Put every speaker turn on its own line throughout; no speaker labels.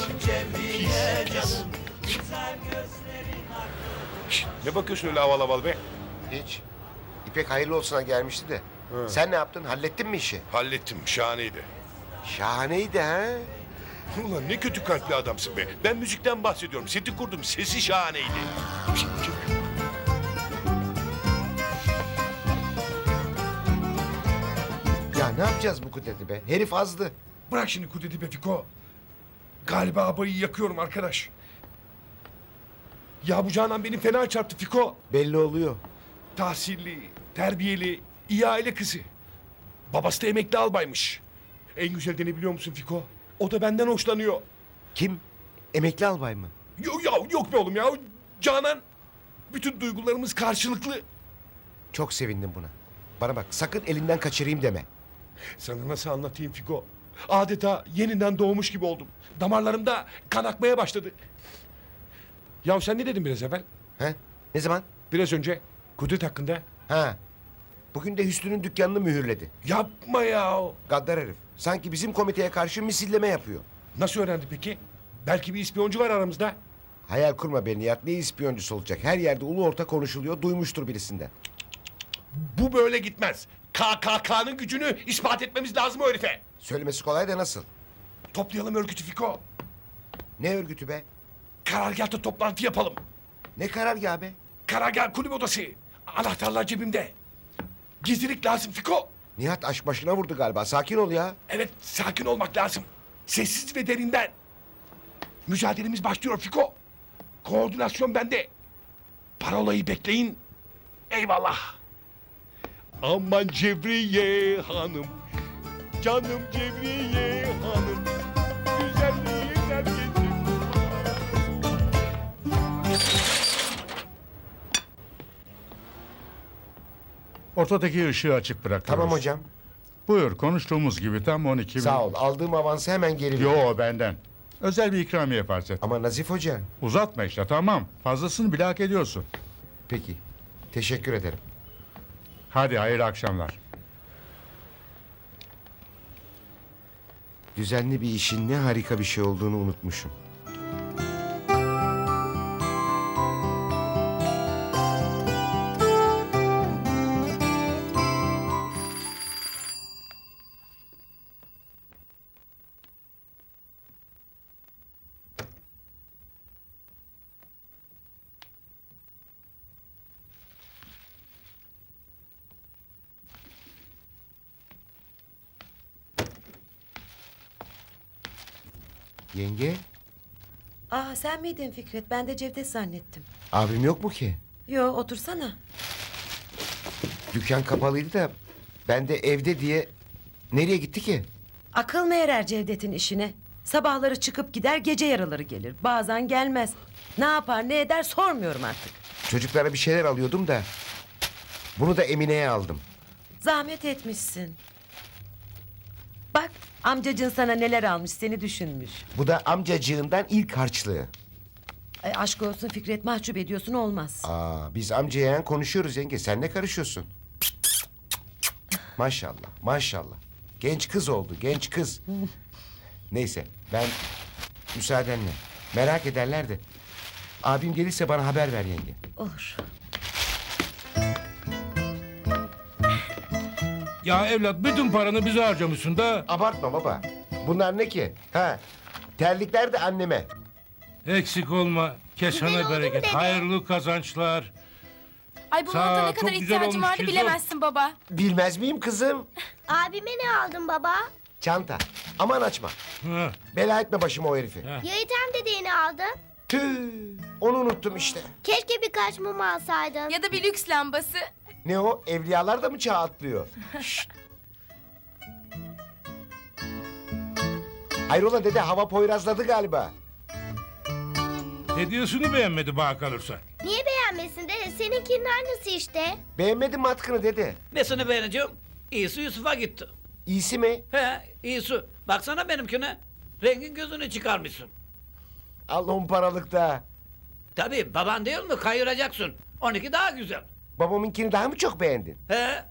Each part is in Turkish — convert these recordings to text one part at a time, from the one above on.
Şişt, ne bakıyorsun öyle aval aval be?
Hiç. İpek hayırlı olsuna gelmişti de. Sen ne yaptın? Hallettin mi işi?
Hallettim, şahaneydi.
Şahaneydi ha.
Ulan ne kötü kalpli adamsın be. Ben müzikten bahsediyorum. Seti kurdum, sesi şahaneydi.
Ya ne yapacağız bu kudreti be? Herif azdı.
Bırak şimdi kudreti be Fiko. Galiba abayı yakıyorum arkadaş. Ya bu Canan beni fena çarptı Fiko.
Belli oluyor.
Tahsilli, terbiyeli, iyi aile kızı. Babası da emekli albaymış. En güzel de ne biliyor musun Fiko? O da benden hoşlanıyor.
Kim? Emekli albay mı?
Yok be oğlum ya. Canan. Bütün duygularımız karşılıklı.
Çok sevindim buna. Bana bak sakın elinden kaçırayım deme.
Sana nasıl anlatayım Fiko? Adeta yeniden doğmuş gibi oldum. Damarlarımda kan akmaya başladı. Ya sen ne dedin biraz evvel?
He? Ne zaman?
Biraz önce Kudret hakkında.
Ha. Bugün de Hüsnü'nün dükkanını mühürledi.
Yapma ya.
Gaddar herif. Sanki bizim komiteye karşı misilleme yapıyor.
Nasıl öğrendi peki? Belki bir ispiyoncu var aramızda.
Hayal kurma be Nihat. Ne ispiyoncusu olacak? Her yerde ulu orta konuşuluyor. Duymuştur birisinden.
Bu böyle gitmez. KKK'nın gücünü ispat etmemiz lazım o herife.
Söylemesi kolay da nasıl?
Toplayalım örgütü Fiko.
Ne örgütü be?
Karargâhta toplantı yapalım.
Ne karargahı be?
Karargah kulüp odası. Anahtarlar cebimde. Gizlilik lazım Fiko.
Nihat aşk başına vurdu galiba. Sakin ol ya.
Evet, sakin olmak lazım. Sessiz ve derinden. Mücadelemiz başlıyor Fiko. Koordinasyon bende. Parolayı bekleyin. Eyvallah. Aman Cevriye hanım. Canım Cevriye hanım. Güzelliğin herkesin.
Ortadaki ışığı açık bırakıyoruz.
Tamam hocam.
Buyur, konuştuğumuz gibi tam 12 bin.
Sağ ol. Aldığım avansı hemen geri ver.
Yo, benden. Özel bir ikramiye farz et.
Ama Nazif Hoca.
Uzatma işte, tamam. Fazlasını bile hak ediyorsun.
Peki. Teşekkür ederim.
Hadi, hayırlı akşamlar.
Düzenli bir işin ne harika bir şey olduğunu unutmuşum. Yenge,
Aa sen miydin Fikret? Ben de Cevdet zannettim.
abim yok mu ki?
Yo otursana.
Dükkan kapalıydı da ben de evde diye... Nereye gitti ki?
Akıl mı erer Cevdet'in işine? Sabahları çıkıp gider, gece yarıları gelir. Bazen gelmez. Ne yapar ne eder sormuyorum artık.
Çocuklara bir şeyler alıyordum da... Bunu da Emine'ye aldım.
Zahmet etmişsin. Bak amcacığın sana neler almış, seni düşünmüş.
Bu da amcacığından ilk harçlığı.
Ay, aşk olsun Fikret, mahcup ediyorsun, olmaz.
Aa, biz amca yeğen konuşuyoruz yenge. Sen ne karışıyorsun? Maşallah, maşallah. Genç kız oldu, genç kız. Neyse, ben müsaadenle. Merak ederler de. Abim gelirse bana haber ver yenge.
Olur.
Ya evlat bütün paranı bize harcamışsın da.
Abartma baba. Bunlar ne ki? Ha, terlikler de anneme.
Eksik olma. Kesene bereket. Hayırlı kazançlar.
Ay bu
Sağ
monta
ol,
ne
çok
kadar
güzel
ihtiyacım
olmuş
vardı
kızım.
bilemezsin baba.
Bilmez miyim kızım?
Abime ne aldın baba?
Çanta. Aman açma.
Ha,
Bela etme başıma o herifi.
Ha.
Ya İthem dedeye ne aldın?
Tüh, onu unuttum işte.
Keşke birkaç mum alsaydın.
Ya da bir lüks lambası.
Ne o? Evliyalar da mı çağ atlıyor? Hayrola dede, hava poyrazladı galiba.
Hediyesini beğenmedi bana kalırsa.
Niye beğenmesin dede? Seninkinin aynısı işte.
Beğenmedin mi atkını dede?
Nesini beğeneceğim? İyisi Yusuf'a gitti.
İyisi mi?
He, iyisi. Baksana benimkine. Rengin gözünü çıkarmışsın.
Allah'ın paralıkta.
Tabii baban değil mi? Kayıracaksın. 12 daha güzel.
Babamınkini daha mı çok beğendin?
He,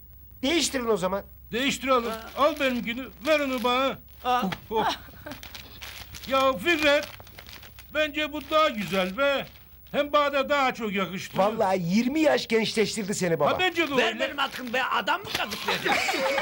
Değiştirin o zaman.
Değiştirelim. Al benimkini. Ver onu bana.
al.
Oh. Ya Fikret, bence bu daha güzel be. Hem bana daha çok yakıştı.
Vallahi 20 yaş gençleştirdi seni baba.
Ha bence de
Ver
öyle.
benim hakkım be, adam mı kazıklayacak?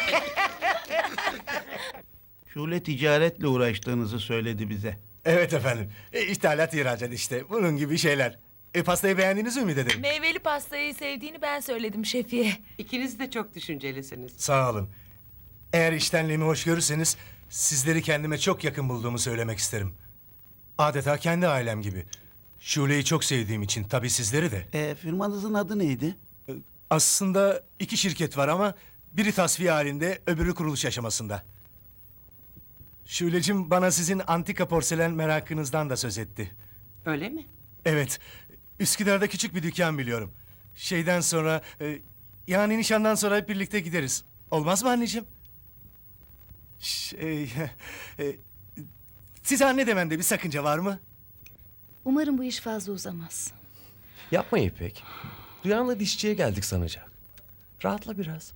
Şule ticaretle uğraştığınızı söyledi bize.
Evet efendim. İthalat ihracat işte. Bunun gibi şeyler. Pastayı beğendiniz mi Ümit ederim?
Meyveli pastayı sevdiğini ben söyledim şefiye.
İkiniz de çok düşüncelisiniz.
Sağ olun. Eğer iştenliğimi hoş görürseniz sizleri kendime çok yakın bulduğumu söylemek isterim. Adeta kendi ailem gibi. Şule'yi çok sevdiğim için tabii sizleri de.
Firmanızın adı neydi?
Aslında 2 şirket var ama biri tasfiye halinde, öbürü kuruluş aşamasında. Şule'cim bana sizin antika porselen merakınızdan da söz etti.
Öyle mi?
Evet. Üsküdar'da küçük bir dükkan biliyorum. Şeyden sonra... yani nişandan sonra hep birlikte gideriz. Olmaz mı anneciğim? Size anne dememde bir sakınca var mı?
Umarım bu iş fazla uzamaz.
Yapma İpek. Duyanla dişçiye geldik sanacak. Rahatla biraz.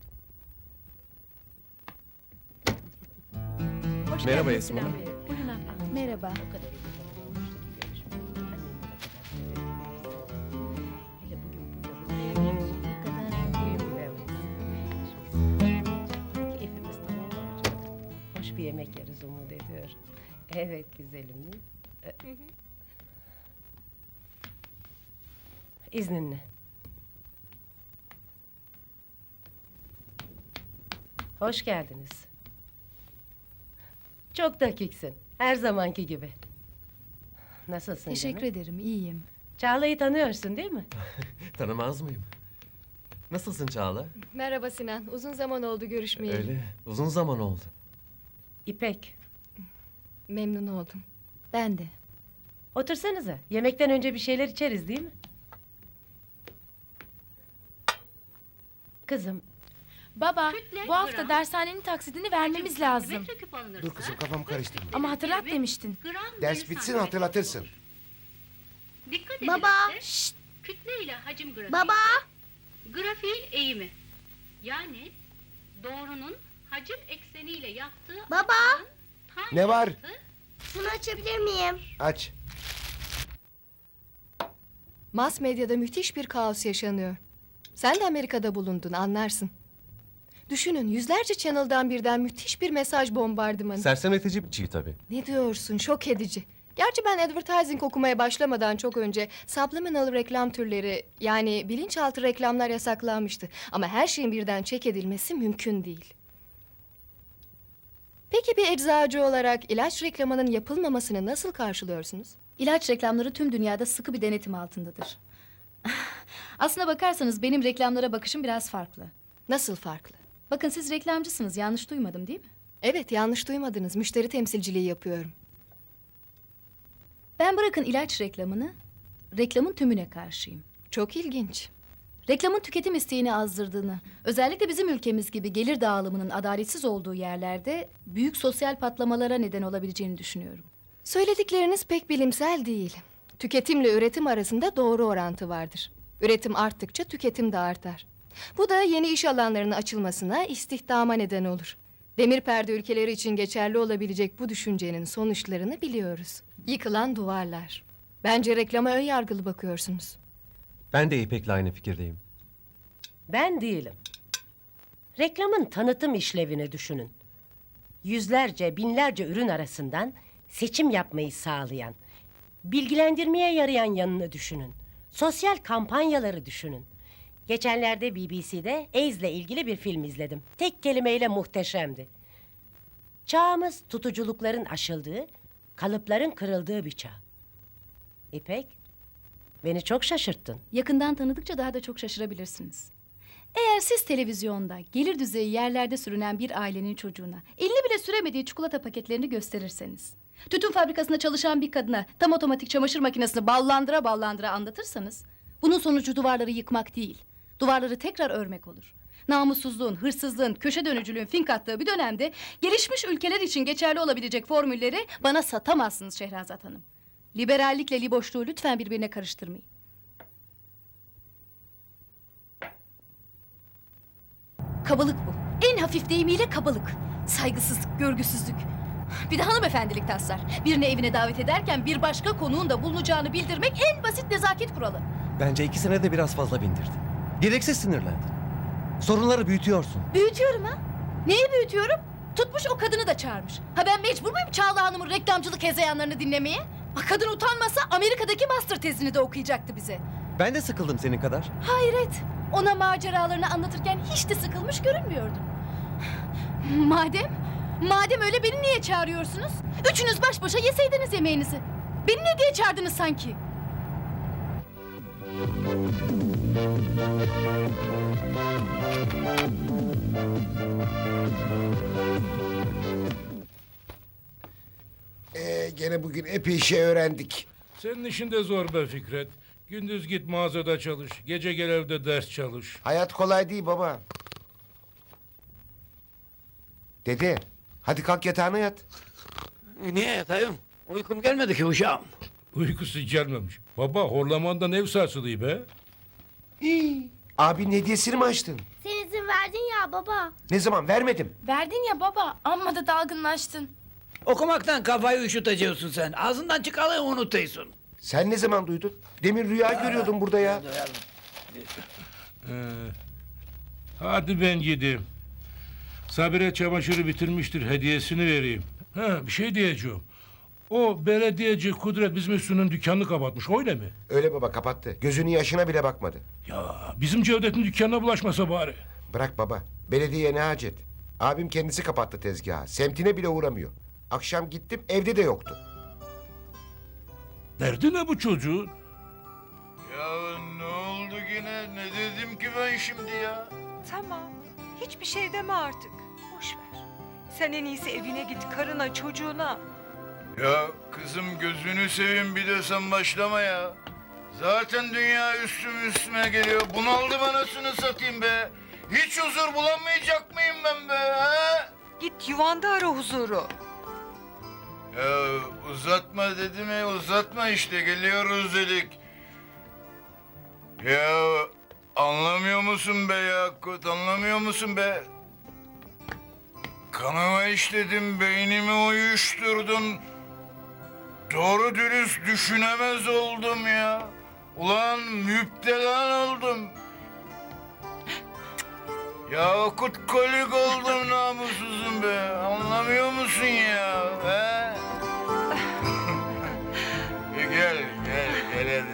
Merhaba Esma.
Merhaba.
Hoş bir yemek yeriz umut ediyorum. Evet güzelim. İzninle. Hoş geldiniz. Çok dakiksin. Her zamanki gibi. Nasılsın
Teşekkür
canım?
ederim, iyiyim.
Çağla'yı tanıyorsun değil mi?
Tanımaz mıyım? Nasılsın Çağla?
Merhaba Sinan, uzun zaman oldu görüşmeyeli.
Öyle. Uzun zaman oldu.
İpek.
Memnun oldum. Ben de.
Otursanıza. Yemekten önce bir şeyler içeriz değil mi? Kızım,
Baba, bu hafta dershanenin taksidini vermemiz lazım.
Dur kızım kafam karıştırma.
Ama hatırlat demiştin.
Ders bitsin hatırlatırsın.
Baba.
Kütle ile hacim grafiği.
Baba.
Grafiğin eğimi. Yani doğrunun hacim ekseniyle yaptığı
Baba.
açının tan
Ne var?
yanıtı
Şunu açabilir miyim?
Aç.
Mass medyada müthiş bir kaos yaşanıyor. Sen de Amerika'da bulundun, anlarsın. Düşünün, yüzlerce channel'dan birden müthiş bir mesaj bombardımanı.
Sersemletici bir çiğ tabii.
Ne diyorsun? Şok edici. Gerçi ben advertising okumaya başlamadan çok önce subliminal reklam türleri, yani bilinçaltı reklamlar yasaklanmıştı. Ama her şeyin birden check edilmesi mümkün değil. Peki bir eczacı olarak ilaç reklamının yapılmamasını nasıl karşılıyorsunuz?
İlaç reklamları tüm dünyada sıkı bir denetim altındadır. Aslına bakarsanız benim reklamlara bakışım biraz farklı.
Nasıl farklı?
Bakın siz reklamcısınız, yanlış duymadım değil mi?
Evet, yanlış duymadınız. Müşteri temsilciliği yapıyorum.
Ben bırakın ilaç reklamını, reklamın tümüne karşıyım.
Çok ilginç.
Reklamın tüketim isteğini azdırdığını, özellikle bizim ülkemiz gibi gelir dağılımının adaletsiz olduğu yerlerde büyük sosyal patlamalara neden olabileceğini düşünüyorum.
Söyledikleriniz pek bilimsel değil. Tüketimle üretim arasında doğru orantı vardır. Üretim arttıkça tüketim de artar. Bu da yeni iş alanlarının açılmasına, istihdama neden olur. Demir perde ülkeleri için geçerli olabilecek bu düşüncenin sonuçlarını biliyoruz. Yıkılan duvarlar. Bence reklama ön yargılı bakıyorsunuz.
Ben de İpek'le aynı fikirdeyim.
ben değilim. Reklamın tanıtım işlevini düşünün. Yüzlerce, binlerce ürün arasından seçim yapmayı sağlayan, bilgilendirmeye yarayan yanını düşünün. Sosyal kampanyaları düşünün. Geçenlerde BBC'de AIDS'le ilgili bir film izledim. Tek kelimeyle muhteşemdi. Çağımız tutuculukların aşıldığı, kalıpların kırıldığı bir çağ. İpek, beni çok şaşırttın.
Yakından tanıdıkça daha da çok şaşırabilirsiniz. Eğer siz televizyonda gelir düzeyi yerlerde sürünen bir ailenin çocuğuna elini bile süremediği çikolata paketlerini gösterirseniz, tütün fabrikasında çalışan bir kadına tam otomatik çamaşır makinesini ballandıra ballandıra anlatırsanız, bunun sonucu duvarları yıkmak değil, duvarları tekrar örmek olur. Namussuzluğun, hırsızlığın, köşe dönücülüğün fink attığı bir dönemde gelişmiş ülkeler için geçerli olabilecek formülleri bana satamazsınız Şehrazat Hanım. Liberallikle liboşluğu lütfen birbirine karıştırmayın. Kabalık bu. En hafif deyimiyle kabalık. Saygısızlık, görgüsüzlük. Bir de hanımefendilik taslar. Birini evine davet ederken bir başka konuğun da bulunacağını bildirmek en basit nezaket kuralı.
Bence 2 sene de biraz fazla bindirdin. Gereksiz sinirlendin. Sorunları büyütüyorsun.
Büyütüyorum ha? Neyi büyütüyorum? Tutmuş o kadını da çağırmış. Ha ben mecbur muyum Çağla Hanım'ın reklamcılık hezeyanlarını dinlemeye? Ha kadın utanmasa Amerika'daki master tezini de okuyacaktı bize.
Ben de sıkıldım senin kadar.
Hayret. Ona maceralarını anlatırken hiç de sıkılmış görünmüyordum. Madem öyle beni niye çağırıyorsunuz? Üçünüz baş başa yeseydiniz yemeğinizi. Beni ne diye çağırdınız sanki?
Gene bugün epey şey öğrendik.
Senin işin de zor be Fikret. Gündüz git mağazada çalış. Gece gel evde ders çalış.
Hayat kolay değil baba. Dede, hadi kalk yatağına yat.
Niye yatayım? Uykum gelmedi ki uşağım.
Uykusu gelmemiş. Baba horlamandan ev sarsılıyor be.
Abinin hediyesini mi açtın?
Sen izin verdin ya baba.
Ne zaman? Vermedim.
Verdin ya baba. Amma da dalgınlaştın.
Okumaktan kafayı üşüteceksin sen. Ağzından çıkanı unutuyorsun.
Sen ne zaman duydun? Demin rüya görüyordum burada ya.
Hadi ben gideyim. Sabire çamaşırı bitirmiştir. Hediyesini vereyim. Ha, bir şey diyeceğim. O belediyeci Kudret bizim üstünün dükkanını kapatmış. Öyle mi?
Öyle baba, kapattı. Gözünün yaşına bile bakmadı.
Ya bizim Cevdet'in dükkanına bulaşmasa bari.
Bırak baba. Belediyeye ne hacet? Abim kendisi kapattı tezgahı. Semtine bile uğramıyor. Akşam gittim, evde de yoktu.
Derdi ne bu çocuğun?
Ya ne oldu yine? Ne dedim ki ben şimdi ya?
Tamam. Hiçbir şey deme artık. Boş ver. Sen en iyisi evine git, karına, çocuğuna.
Ya kızım gözünü seveyim bir de sen başlama ya. Zaten dünya üstüme geliyor. Bunaldım anasını satayım be. Hiç huzur bulamayacak mıyım ben be? Ha?
Git yuvanda ara huzuru.
Ya uzatma dedi mi? Uzatma işte. Geliyoruz dedik. Ya anlamıyor musun be Yakut? Anlamıyor musun be? Kanıma işledim, beynimi uyuşturdun. Doğru dürüst düşünemez oldum ya. Ulan müptelan oldum. Ya kolik oldum namussuzum be. Anlamıyor musun ya? He?